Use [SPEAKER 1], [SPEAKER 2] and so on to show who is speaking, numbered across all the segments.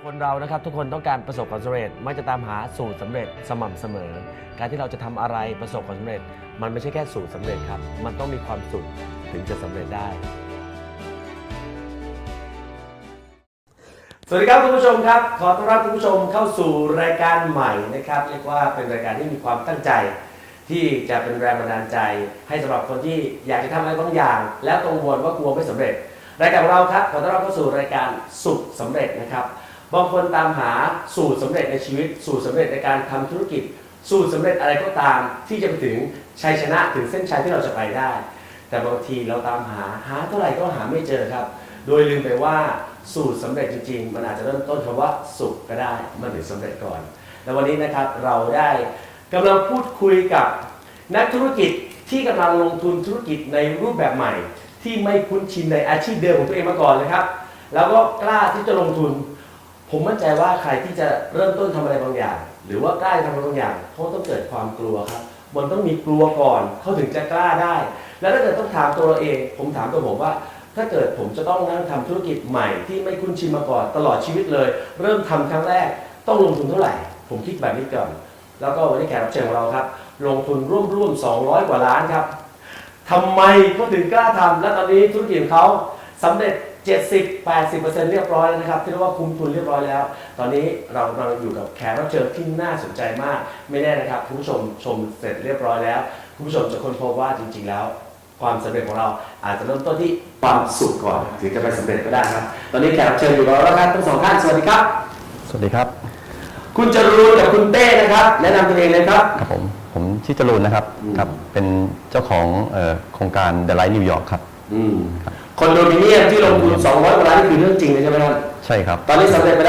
[SPEAKER 1] คนเรานะครับทุกคนต้องการประสบความสำเร็จมักจะตามหาสูตรสำเร็จสม่ำเสมอการที่เราจะทำอะไรประสบความสำเร็จมันไม่ใช่แค่สูตรสำเร็จครับมันต้องมีความสุขถึงจะสำเร็จได้สวัสดีครับคุณผู้ชมครับขอต้อนรับคุณผู้ชมเข้าสู่รายการใหม่นะครับเรียกว่าเป็นรายการที่มีความตั้งใจที่จะเป็นแรงบันดาลใจให้สำหรับคนที่อยากจะทำอะไรบางอย่างแล้วกังวลว่ากลัวไม่สำเร็จรายการของเราครับขอต้อนรับเข้าสู่รายการสุขสำเร็จนะครับบางคนตามหาสูตรสำเร็จในชีวิตสูตรสำเร็จในการทำธุรกิจสูตรสำเร็จอะไรก็ตามที่จะไปถึงชัยชนะถึงเส้นชัยที่เราจะไปได้แต่บางทีเราตามหาเท่าไหร่ก็หาไม่เจอครับโดยลืมไปว่าสูตรสำเร็จจริงๆมันอาจจะเริ่มต้นคำว่าสุขก็ได้มันถึงสำเร็จก่อนและวันนี้นะครับเราได้กำลังพูดคุยกับนักธุรกิจที่กำลังลงทุนธุรกิจในรูปแบบใหม่ที่ไม่คุ้นชินในอาชีพเดิมของตัวเองมาก่อนเลยครับแล้วก็กล้าที่จะลงทุนผมมั่นใจว่าใครที่จะเริ่มต้นทำอะไรบางอย่างหรือว่ากล้าทำอะไรบางอย่างเขาต้องเกิดความกลัวครับมันต้องมีกลัวก่อนเขาถึงจะกล้าได้แล้วถ้าเกิดต้องถามตัวเราเองผมถามตัวผมว่าถ้าเกิดผมจะต้องนั่งทำธุรกิจใหม่ที่ไม่คุ้นชินมาก่อนตลอดชีวิตเลยเริ่มทำครั้งแรกต้องลงทุนเท่าไหร่ผมคิดแบบนี้ก่อนแล้วก็วันนี้แขกรับเชิญของเราครับลงทุนร่วม200 กว่าล้านครับทำไมเขาถึงกล้าทำและตอนนี้ธุรกิจของเขาสำเร็จ 70-80% เรียบร้อยแล้วนะครับที่เรียกว่าคุ้มทุนเรียบร้อยแล้วตอนนี้เรากำลังอยู่กับแขกรับเชิญที่น่าสนใจมากไม่แน่นะครับคุณผู้ชมชมเสร็จเรียบร้อยแล้วคุณผู้ชมจะค้นพบว่าจริงๆแล้วความสำเร็จของเราอาจจะเริ่มต้นที่ความสุขก่อนถึงจะไปสำเร็จก็ได้ครับตอนนี้แขกรับเชิญอยู่กับเราแล้วครับทั้งสองท่านสวัสดีครับ
[SPEAKER 2] สวัสดีครับ
[SPEAKER 1] คุณจรูนกับคุณเต้นะครับแนะนำตัวเองเลยครับ
[SPEAKER 2] ครับผมชื่อจรูนนะครับครับเป็นเจ้าของโครงการ The Light New York ครับ
[SPEAKER 1] คอนโดมิเนียมที่ลงทุน200 กว่าล้านนี่คือเรื่องจริงเลยใช่ไหมครับ
[SPEAKER 2] ใช่ครับ
[SPEAKER 1] ตอนนี้สำเร็จไปแล้ว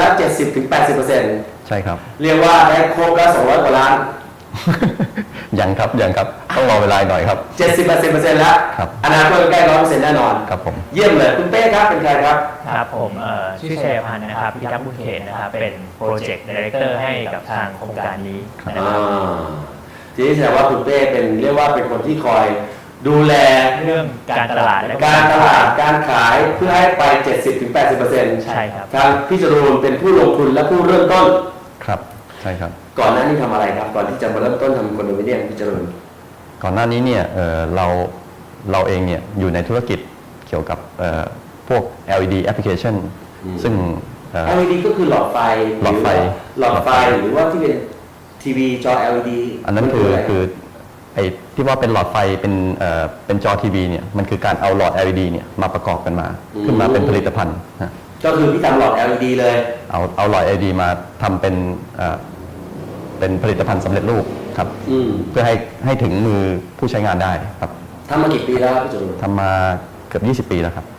[SPEAKER 1] 70-80%
[SPEAKER 2] ใช่ครับ
[SPEAKER 1] เรียกว่าได้ครบแล้ว200 กว่าล้าน
[SPEAKER 2] ยังครับต้องรอเวลาหน่อยครับ
[SPEAKER 1] 70-80% แล้วอนาคตใกล้ 100% แน่นอน
[SPEAKER 2] ครับผม
[SPEAKER 1] เยี่ยมเลยคุณเต้ครับเป็นใครครับ
[SPEAKER 3] ครับผมชื่อชัยพันธ์นะครับพิทักษ์บุญเขตนะครับเป็นโปรเจกต์ไดเรคเตอร์ให้กับทางโครงการนี้นะครับ
[SPEAKER 1] ทีนี้แสดงว่าคุณเต้เป็นเรียกว่าเป็นคนที่คอยดูแล
[SPEAKER 3] เรื่องการตลาดและ
[SPEAKER 1] การขายเพื่อให้ไป 70-80%
[SPEAKER 3] ใช่ครับ
[SPEAKER 1] ทางพี่จรูนเป็นผู้ลงทุนและผู้เริ่มต้น
[SPEAKER 2] ครับใช่ครับ
[SPEAKER 1] ก่อนหน้านี้ทำอะไรครับก่อนที่จะมาเริ่มต้นทำคอนโดมิเนียมพี่จรูน
[SPEAKER 2] ก่อนหน้านี้เนี่ยเราเองเนี่ยอยู่ในธุรกิจเกี่ยวกับพวก LED application ซึ่ง
[SPEAKER 1] LED ก็คือหลอดไฟหลอดไฟหรือว่าที่เป็นทีวีจอ LED
[SPEAKER 2] อันนั้นคือไอ้ที่ว่าเป็นหลอดไฟเป็นจอทีวีเนี่ยมันคือการเอาหลอด LED เนี่ยมาประกอบกันมาขึ้นมาเป็นผลิตภัณฑ์
[SPEAKER 1] ก็คือพี่ทำหลอด LED เลย
[SPEAKER 2] เอาหลอด LED มาทำเป็นผลิตภัณฑ์สำเร็จรูปครับเพื่อให้ถึงมือผู้ใช้งานได้ครับ
[SPEAKER 1] ทำมากี่ปีแล้วพี่จุล
[SPEAKER 2] ทำมาเกือบ20 ปีแล้วครับ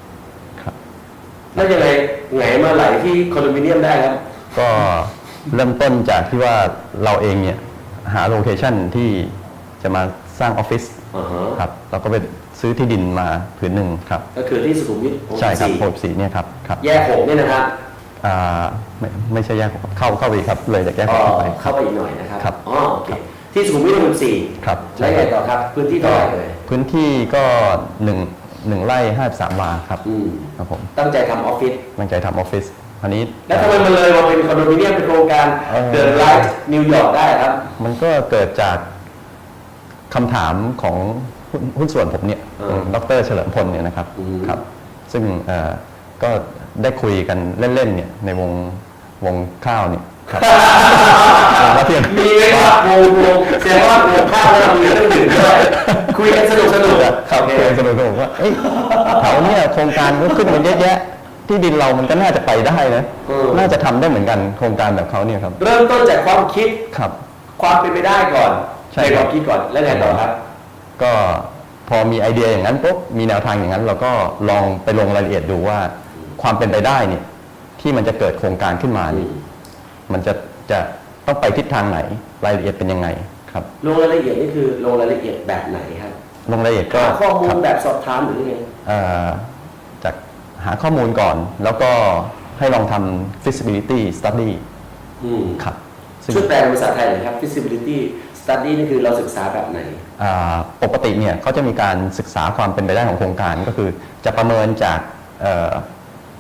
[SPEAKER 1] แล้วยังไงมาไหลที่คอนโดมิเนียมได้ครับ
[SPEAKER 2] ก็เริ่มต้นจากที่ว่าเราเองเนี่ยหาโลเคชั่นที่จะมาสร้างออฟฟิศครับเราก็ไปซื้อที่ดินมาผืนหนึ่งครับ
[SPEAKER 1] ก็คือที่สุขุมวิท
[SPEAKER 2] ใช่ครับ64เนี่ยครับ
[SPEAKER 1] แยก6เนี่ยนะครับ
[SPEAKER 2] ไม่ใช่แยกเข้าไปอีกครับเลยจากแยก6ไป
[SPEAKER 1] เข้าไปอีกหน่อยนะครับอ๋อโอเคที่สุขุมวิท64
[SPEAKER 2] ครับ
[SPEAKER 1] แล้วไงต่อครับพื้นที่เท่าไหร่เลย
[SPEAKER 2] พื้นที่ก็1 ไร่53 วาครับครับผม
[SPEAKER 1] ตั้งใจทำออฟฟิศ
[SPEAKER 2] อันนี้
[SPEAKER 1] แล้วทำไมมันเลยมาเป็นคอนโดมิเนียมเป็นโครงการเดินไลท์นิวยอร์กได้ครับ
[SPEAKER 2] มันก็เกิดจากคำถามของหุ้นส่วนผมเนี่ยดร.เฉลิมพลเนี่ยนะครับซึ่งก็ได้คุยกันเล่นๆเนี่ยในวงข้าวเนี่ยครับ
[SPEAKER 1] มีไหมครับวงแสดงว่าวงข้าวเรามีเรื่องอื่นด้วยคุยกันสนุก
[SPEAKER 2] ครับคุยกันสนุกว่าแถวเนี่ยโครงการก็ขึ้นมาเยอะแยะที่ดินเรามันก็น่าจะไปได้นะน่าจะทำได้เหมือนกันโครงการแบบเขาเนี่ยครับ
[SPEAKER 1] เริ่มต้นจากความคิด
[SPEAKER 2] ครับ
[SPEAKER 1] ความเป็นไปได้ก่อนในความคิดก่อนแล้วไงต่อครับ
[SPEAKER 2] ก็พอมีไอเดียอย่างนั้นปุ๊บมีแนวทางอย่างนั้นเราก็ลองไปลงรายละเอียดดูว่าความเป็นไปได้เนี่ยที่มันจะเกิดโครงการขึ้นมานี่มันจะต้องไปทิศทางไหนรายละเอียดเป็นยังไงครับ
[SPEAKER 1] ลงรายละเอียดนี่คือลงรายละเอียดแบบไหนครับ
[SPEAKER 2] ลงรายละเอียดก็
[SPEAKER 1] ข้อมูลแบบสอบถามหรือยังไง
[SPEAKER 2] จากหาข้อมูลก่อนแล้วก็ให้ลองทำ feasibility study ครับ
[SPEAKER 1] ช่วยแปลเป็นภาษาไทยหน่อยครับ feasibility study นี่คือเราศึกษาแบบไหน
[SPEAKER 2] ปกติเนี่ยเขาจะมีการศึกษาความเป็นไปได้ของโครงการก็คือจะประเมินจาก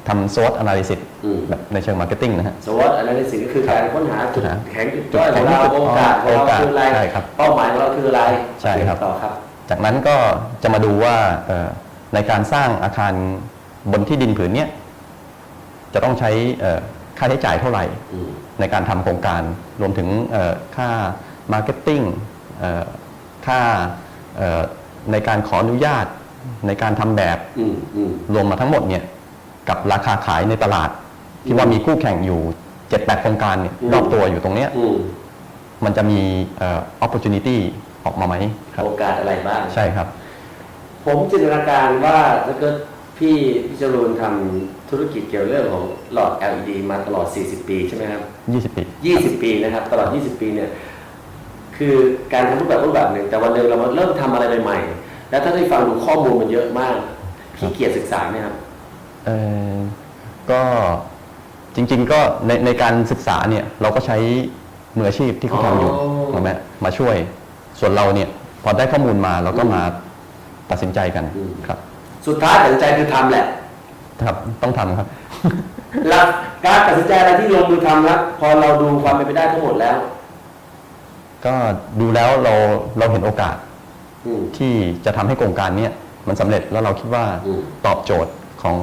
[SPEAKER 2] ทำ SWOT analysis
[SPEAKER 1] อืม
[SPEAKER 2] แบบในเชิง marketing นะฮะ
[SPEAKER 1] สวอตอะไรในสิ่งก็คือการค้นหาจุด
[SPEAKER 2] หา
[SPEAKER 1] แข็งจุดด้อยของเราโอกาสของเราคืออะไร
[SPEAKER 2] ใช่ครับ
[SPEAKER 1] เป้าหมายของเราคืออะไร
[SPEAKER 2] ใช่ครับ
[SPEAKER 1] ต่อครับ
[SPEAKER 2] จากนั้นก็จะมาดูว่าในการสร้างอาคารบนที่ดินผืนเนี้ยจะต้องใช้ค่าใช้จ่ายเท่าไหร่
[SPEAKER 1] อืม
[SPEAKER 2] ในการทำโครงการรวมถึงค่ามาร์เก็ตติ้งค่าในการขออนุญาตในการทำแบบ
[SPEAKER 1] อืมอืม
[SPEAKER 2] รวมมาทั้งหมดเนี่ยกับราคาขายในตลาด ที่ว่ามีคู่แข่งอยู่ 7-8 โครงการเนี่ยรอบตัวอยู่ตรงเนี้ย
[SPEAKER 1] อืม
[SPEAKER 2] มันจะมีopportunity ออกมาไหมครับ
[SPEAKER 1] โอกาสอะไรบ้าง
[SPEAKER 2] ใช่ครับ
[SPEAKER 1] ผมจินตนาการว่าถ้าเกิดพี่จรูนทำธุรกิจเกี่ยวเรื่องของหลอด LED มาตลอด 40 ปีใช่ไหมครับ
[SPEAKER 2] 20 ปี
[SPEAKER 1] 20 ปีนะครับ ตลอด 20 ปีเนี่ย คือการทำรูปแบบหนึ่ง แต่วันหนึ่งเรามาเริ่มทำอะไรใหม่ๆ แล้วถ้าได้ฟังดูข้อมูลมันเยอะมากขี้เกียจศึกษาไหมครับ
[SPEAKER 2] ก็จริงๆก็ในการศึกษาเนี่ยเราก็ใช้มืออาชีพที่เขาทำอยู่
[SPEAKER 1] อ๋อ
[SPEAKER 2] ถูกไหมมาช่วย ส่วนเราเนี่ยพอได้ข้อมูลมาเราก็มาตัดสินใจกันครับ
[SPEAKER 1] สุดท้ายตัดสินใจคือทำแหละ
[SPEAKER 2] ครับต้องทำครับ
[SPEAKER 1] แล้วการตัดสินใจอะไรที่ลงมือทำครับพอเราดูความเป็นไปได้ทั้งหมดแล้ว
[SPEAKER 2] ก็ดูแล้วเราเห็นโอกาส
[SPEAKER 1] อืม
[SPEAKER 2] ที่จะทำให้โครงการเนี้ยมันสำเร็จแล้วเราคิดว่า
[SPEAKER 1] อืม
[SPEAKER 2] ตอบโจทย์ของ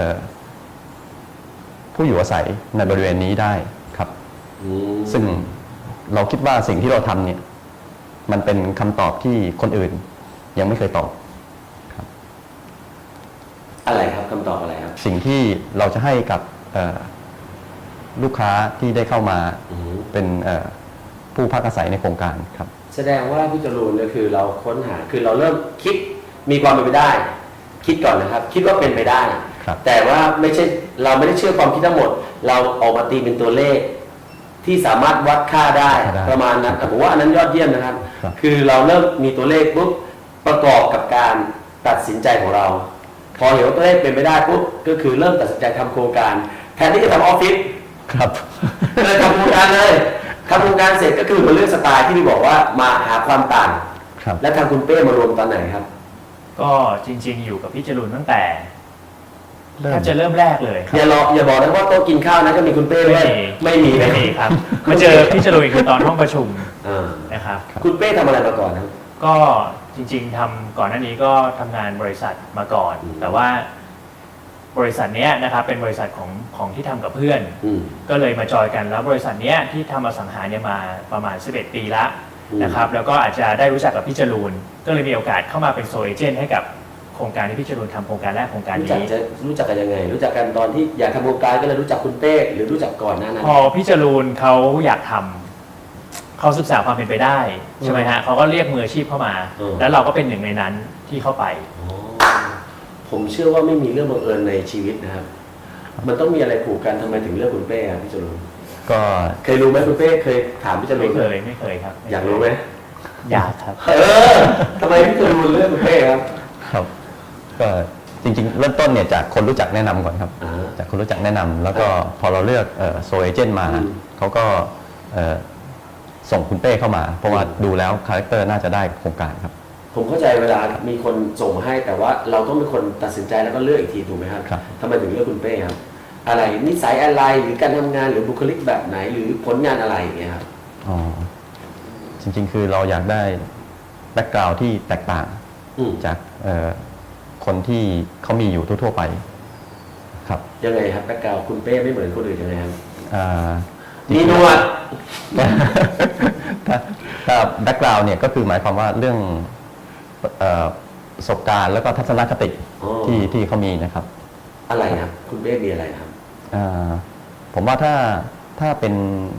[SPEAKER 2] ผู้อยู่อาศัยในบริเวณนี้ได้ครับ
[SPEAKER 1] อืม
[SPEAKER 2] ซึ่งเราคิดว่าสิ่งที่เราทำเนี่ยมันเป็นคำตอบที่คนอื่นยังไม่เคยตอบ
[SPEAKER 1] อะไรครับคำตอบอะไรครับ
[SPEAKER 2] สิ่งที่เราจะให้กับลูกค้าที่ได้เข้ามา
[SPEAKER 1] อืม
[SPEAKER 2] เป็นผู้พักอาศัยในโครงการครับ
[SPEAKER 1] แสดงว่าพี่จรูนก็คือเราค้นหาคือเราเริ่มคิดมีความเป็นไปได้ คิดก่อนนะครับ คิดว่าเป็นไปได้
[SPEAKER 2] ครับ
[SPEAKER 1] แต่ว่าไม่ใช่เราไม่ได้เชื่อความคิดทั้งหมด เราออกมาตีเป็นตัวเลข ที่สามารถวัดค่าได้ประมาณนั้นผมว่าอันนั้นยอดเยี่ยมนะครับ คือเราเริ่มมีตัวเลขปุ๊บประกอบกับการตัดสินใจของเรา พอเห็นว่าตัวเลขเป็นไปได้ปุ๊บก็คือเริ่มตัดสินใจทำโครงการ แทนที่จะทำออฟฟิศ
[SPEAKER 2] ครับ
[SPEAKER 1] เลยทำโครงการเลยทำโครงการเสร็จก็คือมาเลือกสไตล์ที่พี่บอกว่ามาหาความต่าง
[SPEAKER 2] ครับ
[SPEAKER 1] และทางคุณเป้มารวมตอนไหนครับ
[SPEAKER 3] ก็จริง ๆ อยู่กับพี่จรูนตั้งแต่
[SPEAKER 2] เริ่ม
[SPEAKER 3] แทบจะเริ่มแรกเลยครับ
[SPEAKER 1] อย่าบอกนะว่าโต๊ะกินข้าวนะก็มีคุณเป้ด้วยไม่มี
[SPEAKER 3] ไม่มีครับมาเจอพี่จรูนคือตอนห้องประชุม
[SPEAKER 1] อ่า
[SPEAKER 3] นะครับ
[SPEAKER 1] คุณเป้ทำอะไรมาก่อนครับ
[SPEAKER 3] ก็จริง ๆทำก่อนหน้านี้ก็ทำงานบริษัทมาก่อน
[SPEAKER 1] อืม
[SPEAKER 3] แต่ว่าบริษัทเนี้ยนะครับเป็นบริษัทของที่ทำกับเพื่อน
[SPEAKER 1] อืม
[SPEAKER 3] ก็เลยมาจอยกันแล้วบริษัทเนี้ยที่ทำอสังหาเนี่ยมาประมาณ 11 ปีละ
[SPEAKER 1] อืม
[SPEAKER 3] นะครับแล้วก็อาจจะได้รู้จักกับพี่จรูนก็เลยมีโอกาสเข้ามาเป็นโซเอเจนต์ให้กับโครงการที่พี่จรูนทำโครงการแรกโครงการ
[SPEAKER 1] รู้จัก
[SPEAKER 3] นี้
[SPEAKER 1] จะรู้จักกันยังไง รู้จักกันตอนที่อยากทำโครงการก็เลยรู้จักคุณเป้หรือรู้จักก่อนหน้านั้น
[SPEAKER 3] พอพี่จรูนเขาอยากทำเขาศึกษาความเป็นไปได้ใช่ไหมฮะเขาก็เรียกมืออาชีพเข้ามา แล้วเราก็เป็นหนึ่งในนั้นที่เข้าไป
[SPEAKER 1] อ๋อผมเชื่อว่าไม่มีเรื่องบังเอิญในชีวิตนะครับ มันต้องมีอะไรผูกกันทำไมถึงเลือกคุณเป้ครับพี่จรูน
[SPEAKER 2] ก็
[SPEAKER 1] เคยรู้ไหมคุณเป้เคยถามพี่จรู
[SPEAKER 3] ไม่
[SPEAKER 1] น
[SPEAKER 3] เคยครับ
[SPEAKER 1] อยากรู้ไหม
[SPEAKER 3] อยากครับ
[SPEAKER 1] ทำไมพี่จรูนเลือกคุณเป้ครับ
[SPEAKER 2] ครับก็จริงๆ เริ่มต้นเนี่ยจากคนรู้จักแนะนำก่อนครับ
[SPEAKER 1] อ่า
[SPEAKER 2] จากคนรู้จักแนะนำแล้วก็พอเราเลือกโซเอเจนต์มา
[SPEAKER 1] อืม
[SPEAKER 2] เขาก็ส่งคุณเป้เข้ามา เพราะว่าดูแล้วคาแรคเตอร์น่าจะได้โครงการครับ
[SPEAKER 1] ผมเข้าใจเวลามีคนส่งมาให้แต่ว่าเราต้องเป็นคนตัดสินใจแล้วก็เลือกอีกทีถูกไหมครับ
[SPEAKER 2] ครับ
[SPEAKER 1] ทำไมถึงเลือกคุณเป้ครับ อะไรนิสัยอะไรหรือการทำงานหรือบุคลิกแบบไหนหรือผลงานอะไรอย่างเงี้ยครับ
[SPEAKER 2] อ๋อจริงๆ คือเราอยากได้แบ็กกราวด์ที่แตกต่าง
[SPEAKER 1] อืม
[SPEAKER 2] จากคนที่เขามีอยู่ทั่วๆไปครับ
[SPEAKER 1] ยังไงครับแบ็คกราวด์คุณเป้ไม่เหมือนคนอื่นยังไงครับ
[SPEAKER 2] อ่า
[SPEAKER 1] มีหนวด
[SPEAKER 2] ถ้าแบ็กกราวด์เนี่ยก็คือหมายความว่าเรื่องประสบการณ์แล้วก็ทัศนคติ
[SPEAKER 1] อ๋อ
[SPEAKER 2] ที่เขามีนะครับ
[SPEAKER 1] อะไรครับ คุณเป้มีอะไรครับ
[SPEAKER 2] ผมว่าถ้าเป็น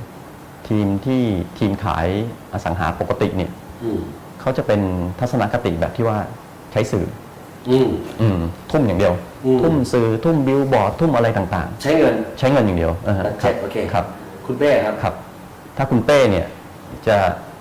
[SPEAKER 2] ทีมขายอสังหาปกติเนี่ย
[SPEAKER 1] อืม
[SPEAKER 2] เขาจะเป็นทัศนคติแบบที่ว่าใช้สื่อ
[SPEAKER 1] อืม
[SPEAKER 2] ทุ่มอย่างเดียว
[SPEAKER 1] อืม
[SPEAKER 2] ทุ่มสื่อทุ่มบิลบอร์ดทุ่มอะไรต่าง
[SPEAKER 1] ใช้เงิน
[SPEAKER 2] ๆ ใช้เงินอย่างเดียว
[SPEAKER 1] ใช่โอเค
[SPEAKER 2] ครับ
[SPEAKER 1] คุณเป้ครับ
[SPEAKER 2] ครับ ถ้าคุณเป้เนี่ยจะ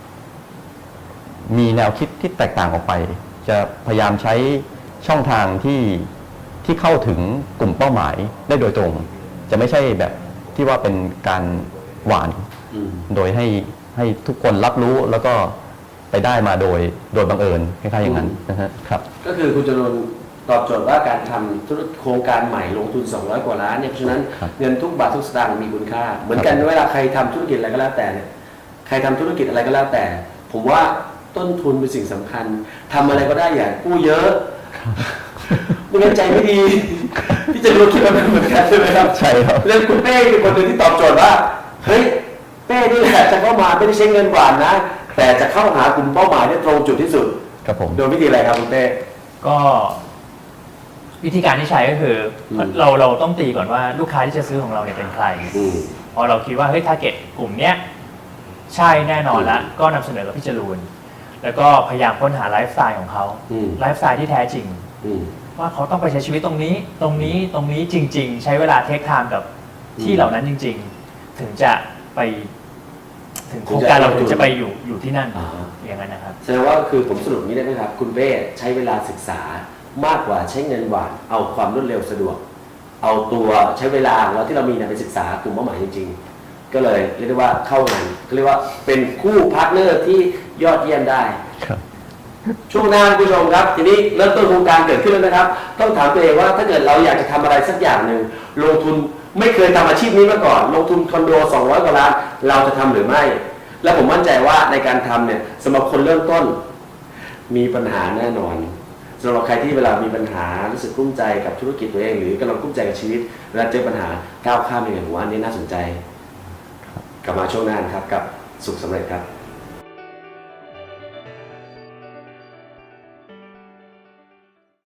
[SPEAKER 2] มีแนวคิดที่แตกต่างออกไป จะพยายามใช้ช่องทางที่เข้าถึงกลุ่มเป้าหมายได้โดยตรง จะไม่ใช่แบบที่ว่าเป็นการหวาน
[SPEAKER 1] อืม
[SPEAKER 2] โดยให้ทุกคนรับรู้แล้วก็ไปได้มาโดยบังเอิญคล้ายๆอย่างนั้นนะฮะครับ
[SPEAKER 1] ก็คือคุณจรูนตอบโจทย์ว่าการทำธุรโครงการใหม่ลงทุน200 กว่าล้านเนี่ยเพราะฉะนั้น
[SPEAKER 2] ครับ
[SPEAKER 1] เงินทุกบาททุกสตางค์มีคุณค่า เหมือนกันเวลาใครทำธุรกิจอะไรก็แล้วแต่เนี่ยใครทำธุรกิจอะไรก็แล้วแต่ ผมว่าต้นทุนเป็นสิ่งสำคัญทำอะไรก็ได้อย่ากู้เยอะไม่งั้นใจไม่ดีพี่จะรู้คิดว่าเป็นเหมือนกันใช่ไหมครับ
[SPEAKER 2] ใช่ครับ
[SPEAKER 1] เรื่องคุณเป้เป็นคนหนึ่งที่ตอบโจทย์ว่าเฮ้ยเป้นี่แหละจะเข้ามาไม่ได้ใช้เงินหวานนะ แต่จะเข้าหากลุ่มเป้าหมายได้ตรงจุดที่สุด
[SPEAKER 2] ครับผม
[SPEAKER 1] โดยวิธีอะไรครับคุณเป้
[SPEAKER 3] ก็วิธีการที่ใช้ก็คืออ
[SPEAKER 1] ม
[SPEAKER 3] เราต้องตีก่อนว่าลูกค้าที่จะซื้อของเราเนี่ยเป็นใคร
[SPEAKER 1] อืม
[SPEAKER 3] พอเราคิดว่าเฮ้ยทาร์เก็ตกลุ่มเนี้ยใช่แน่นอนละก็นำเสนอกับพี่จรูนแล้วก็พยายามค้นหาไลฟ์สไตล์ของเขา
[SPEAKER 1] อืม
[SPEAKER 3] ไลฟ์สไตล์ที่แท้จริง
[SPEAKER 1] อืม
[SPEAKER 3] ว่าเขาต้องไปใช้ชีวิตตรงนี้ตรงนี้จริง ๆ ใช้เวลาเทคไทม์กับที่เหล่านั้นจริง ๆ ถึงจะไปถึงโครงการเราถึงจะไปอยู่ที่นั่น
[SPEAKER 1] อ่า
[SPEAKER 3] อย่างนั้นนะครับ
[SPEAKER 1] แสดงว่าคือผมสรุปนี้ได้ไหมครับ คุณเป้ใช้เวลาศึกษามากกว่าใช้เงินหวานเอาความรวดเร็วสะดวก เอาตัวใช้เวลาของเราที่เรามีเนี่ยไปศึกษากลุ่มเป้าหมายจริง ๆ ก็เลยเรียกได้ว่าเข้างานก็เรียกว่าเป็นคู่พาร์ทเนอร์ที่ยอดเยี่ยมได้
[SPEAKER 2] ครับ
[SPEAKER 1] ช่วงหน้าคุณผู้ชมครับทีนี้เริ่มต้นโครงการเกิดขึ้นแล้วนะครับ ต้องถามตัวเองว่าถ้าเกิดเราอยากจะทำอะไรสักอย่างหนึ่งลงทุนไม่เคยทำอาชีพนี้มาก่อน ลงทุนคอนโด200 กว่าล้านเราจะทำหรือไม่ และผมมั่นใจว่าในการทำเนี่ยสำหรับคนเริ่มต้นมีปัญหาแน่นอนสำหรับใครที่เวลามีปัญหารู้สึกกลุ้มใจกับธุรกิจตัวเอง หรือกำลังกลุ้มใจกับชีวิตเวลาเจอปัญหาก้าวข้ามยังไงผมว่าอันนี้น่าสนใจ กลับมาช่วงหน้านะครับกับสุขสำเร็จครับ